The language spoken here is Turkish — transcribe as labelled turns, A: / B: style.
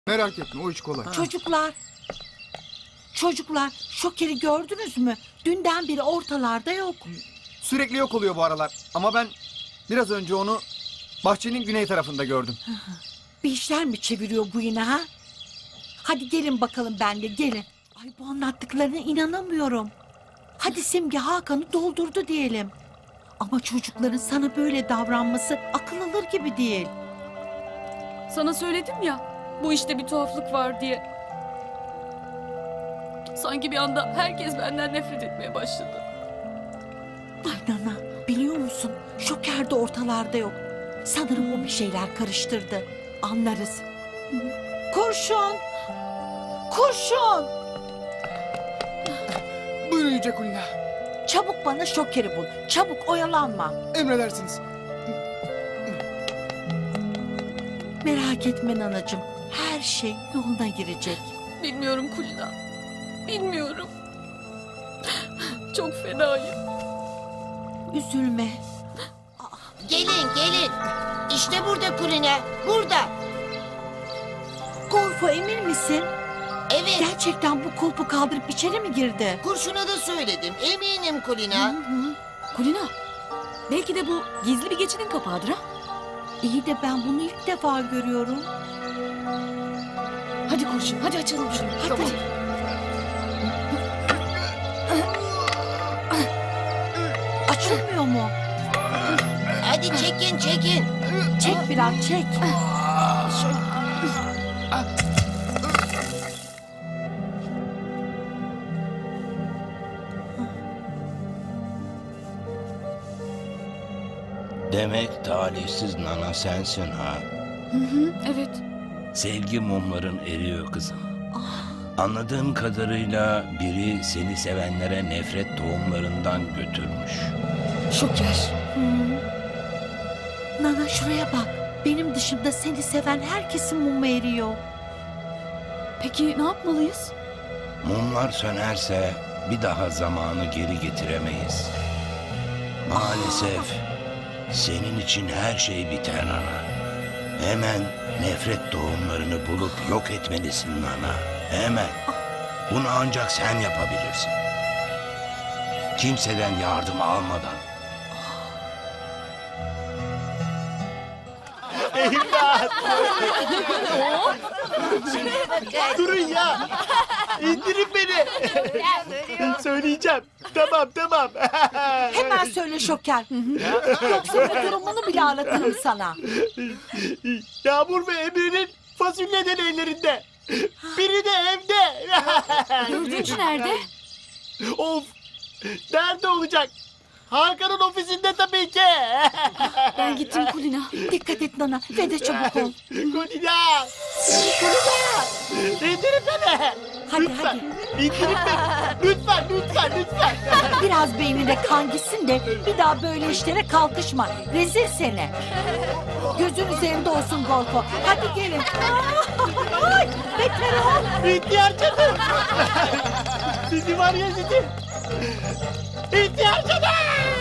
A: Merak etme, o iş kolay.
B: Çocuklar, Şoker'i gördünüz mü? Dünden beri ortalarda yok.
A: Sürekli yok oluyor bu aralar. Ama ben biraz önce onu bahçenin güney tarafında gördüm.
B: Bir işler mi çeviriyor bu yine ha? Hadi gelin bakalım benle, gelin. Ay, bu anlattıklarına inanamıyorum. Hadi Simge Hakan'ı doldurdu diyelim. Ama çocukların sana böyle davranması akıl alır gibi değil.
C: Sana söyledim ya, bu işte bir tuhaflık var diye. Sanki bir anda herkes benden nefret etmeye başladı.
B: Ay Nana, biliyor musun? Şoker de ortalarda yok. Sanırım o bir şeyler karıştırdı. Anlarız. Kurşun! Kurşun!
A: Buyurun Yüce Kulina.
B: Çabuk bana Şoker'i bul. Çabuk, oyalanma.
A: Emredersiniz.
B: Merak etme Nanacığım. Her şey yoluna girecek.
C: Bilmiyorum Kulina, bilmiyorum. Çok fenayım.
B: Üzülme.
D: Gelin. İşte burada Kulina. Burada.
B: Golfo, emin misin?
D: Evet.
B: Gerçekten bu kulpu kaldırıp içeri mi girdi?
D: Kurşuna da söyledim. Eminim Kulina.
C: Kulina, belki de bu gizli bir geçidin kapağıdır ha?
B: İyi de ben bunu ilk defa görüyorum.
C: Hadi Kurşun, hadi açalım şunu.
B: Hadi. Açılmıyor mu?
D: Hadi çekin.
B: Çek biraz, çek.
E: Demek talihsiz Nana sensin ha.
C: Evet,
E: Sevgi mumların eriyor kızım. Anladığım kadarıyla biri seni sevenlere nefret tohumlarından götürmüş.
C: Şoker.
B: Nana, şuraya bak. Benim dışımda seni seven herkesin mumu eriyor.
C: Peki ne yapmalıyız?
E: Mumlar sönerse bir daha zamanı geri getiremeyiz. Maalesef senin için her şey biter Nana. Hemen nefret tohumlarını bulup yok etmelisin Nana. Hemen. Bunu ancak sen yapabilirsin. Kimseden yardım almadan.
F: Durun ya. İndirin beni. Söyleyeceğim. Tamam.
B: Hemen söyle Şoker. Yoksa bu durumunu bile anlatırım sana.
F: Yağmur ve Emre'nin fasulyeden ellerinde. Biri de evde.
C: Dördüncü nerede?
F: Of. Nerede olacak? Hakan'ın ofisinde tabii ki.
C: Ben gittim Kulina.
B: Dikkat et Nana ve de çabuk ol.
F: Kulina. İndirin beni.
B: Hadi.
F: İndirin beni. Lütfen.
B: Biraz beynine kan gitsin de bir daha böyle işlere kalkışma. Rezil seni. Gözün üzerinde olsun Golfo. Hadi gelin. Ay, beter ol.
F: İhtiyar cadı. Sizi var ya sizi. İhtiyar cadı.